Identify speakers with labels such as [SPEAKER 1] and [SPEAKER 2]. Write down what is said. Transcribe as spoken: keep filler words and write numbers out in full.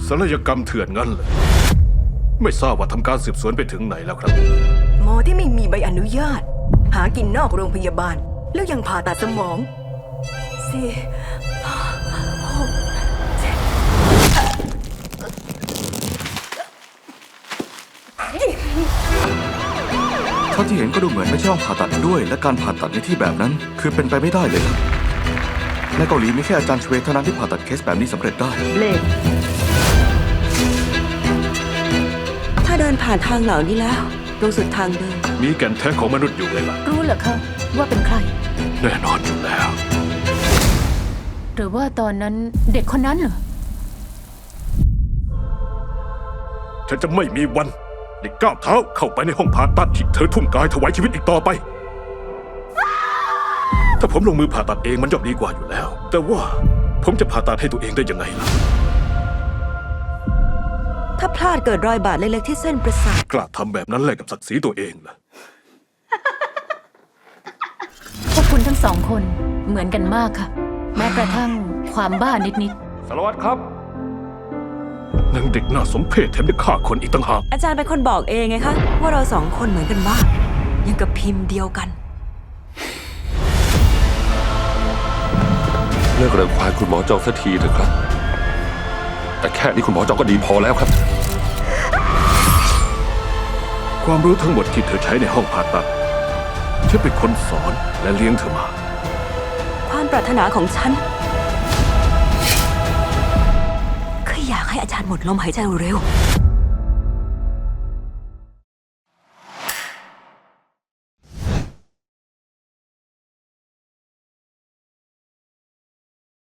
[SPEAKER 1] ศัลยกรรมเถื่อนงั้นเลยไม่ทราบว่าทำการสืบสวนไปถึงไหนแล้วครับ
[SPEAKER 2] หมอที่ไม่มีใบอนุญาต หากินนอกโรงพยาบาล แล้วยังผ่าตัดสมองสี่ห้าหกเจ็ด
[SPEAKER 3] เท่าที่เห็นก็ดูเหมือนไม่ใช่ห้องผ่าตัดด้วย และการผ่าตัดในที่แบบนั้น คือเป็นไปไม่ได้เลยครับในเกาหลีมีแค่อาจารย์ชเวทเท่านั้นที่ผ่าตัดเคสแบบนี้สำเร็จได้
[SPEAKER 4] เบลด
[SPEAKER 5] ถ้าเดินผ่านทางเหล่านี้แล้วตรงสุดทางเดิน
[SPEAKER 1] มีแก่นแท้ของมนุษย์อยู่เลยล่ะ
[SPEAKER 4] รู้เหรอคะว่าเป็นใคร
[SPEAKER 1] แน่นอนอยู่แล้ว
[SPEAKER 4] หรือว่าตอนนั้นเด็กคนนั้นเหรอ
[SPEAKER 1] ฉันจะไม่มีวันได้ก้าวเท้าเข้าไปในห้องผ่าตัดที่เธอทุ่มกายถวายชีวิตอีกต่อไป ถ้าผมลงมือผ่าตัดเองมันย่อมดีกว่าอยู่แล้ว แต่ว่าผมจะผ่าตัดให้ตัวเองได้ยังไงล่ะ
[SPEAKER 5] ถ้าพลาดเกิดรอยบาดเล็กๆที่เส้นประสาท
[SPEAKER 1] กล้าทำแบบนั้นแลกกับศักดิ์ศรีตัวเองล่ะ
[SPEAKER 4] พวกคุณทั้งสองคนเหมือนกันมากค่ะ แม้กระทั่งความบ้านิด
[SPEAKER 1] สารวัตรครับนางเด็กน่าสมเพชแถมยังฆ่าคนอีกต่างหาก
[SPEAKER 5] อาจารย์เป็นคนบอกเองไงคะ ว่าเราสองคนเหมือนกันมากยังกับพิมพ์เดียวกัน
[SPEAKER 6] เลิกเริงควายคุณหมอจองสักทีเถอะครับ แต่แค่นี้คุณหมอจองก็ดีพอแล้วครับ
[SPEAKER 1] ความรู้ทั้งหมดที่เธอใช้ในห้องผ่าตัดฉันเป็นคนสอนและเลี้ยงเธอมา
[SPEAKER 5] ความปรารถนาของฉันคืออยากให้อาจารย์หมดลมหายใจเร็วๆ